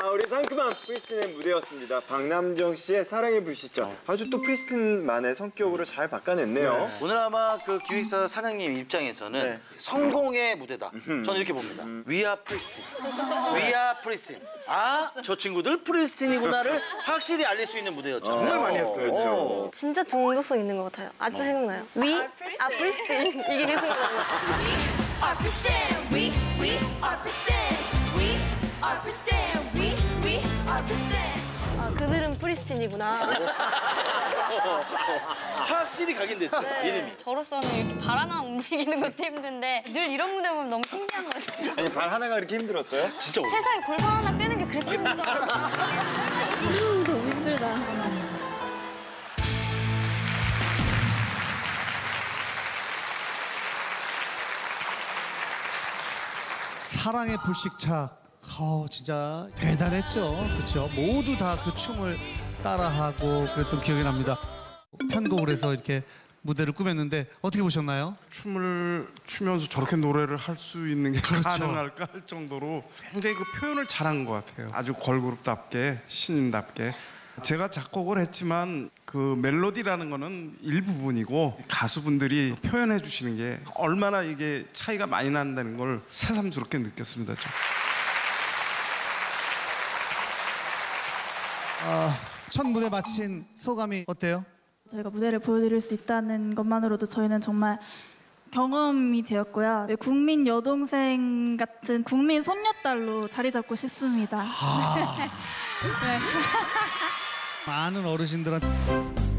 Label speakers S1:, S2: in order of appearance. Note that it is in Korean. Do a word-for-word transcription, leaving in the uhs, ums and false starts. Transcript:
S1: 아, 우리 상큼한 프리스틴의 무대였습니다. 박남정 씨의 사랑의 불시착. 아주 또 프리스틴만의 성격으로 잘 바꿔냈네요.
S2: 네. 오늘 아마 그 기획사 사장님 입장에서는 네. 성공의 무대다. 저는 이렇게 봅니다. We are 프리스틴. We are 프리스틴. 아, 저 친구들 프리스틴이구나를 확실히 알릴 수 있는 무대였죠.
S1: 정말 많이 했어요.
S2: 어.
S3: 진짜 중독성 있는 것 같아요. 아직도 어. 생각나요. We are 프리스틴. 이게 계속 생각나요.
S4: We are pristine, we, we are pristine, we are pristine, we, we are pristine.
S3: 아, 그들은 프리스틴이구나.
S2: 확실히 각인됐죠, 네. 이름이.
S5: 저로서는 이렇게 발 하나 움직이는 것도 힘든데 늘 이런 무대 보면 너무 신기한 거죠.
S1: 아니, 발 하나가 그렇게 힘들었어요?
S2: 진짜
S5: 세상에 골반 하나 빼는 게 그렇게 힘들더라고요.
S3: 너무 힘들다.
S6: 사랑의 불식착, 어, 진짜 대단했죠. 그렇죠. 모두 다 그 춤을 따라하고 그랬던 기억이 납니다. 편곡을 해서 이렇게 무대를 꾸몄는데 어떻게 보셨나요?
S7: 춤을 추면서 저렇게 노래를 할 수 있는 게
S6: 그렇죠.
S7: 가능할까 할 정도로 굉장히 그 표현을 잘한 것 같아요. 아주 걸그룹답게, 신인답게. 제가 작곡을 했지만 그 멜로디라는 거는 일부분이고 가수분들이 표현해 주시는 게 얼마나 이게 차이가 많이 난다는 걸 새삼스럽게 느꼈습니다. 저.
S6: 아, 첫 무대 마친 소감이 어때요?
S8: 저희가 무대를 보여드릴 수 있다는 것만으로도 저희는 정말 경험이 되었고요. 국민 여동생 같은 국민 손녀딸로 자리 잡고 싶습니다.
S6: 아...
S8: 네.
S6: 많은 어르신들한테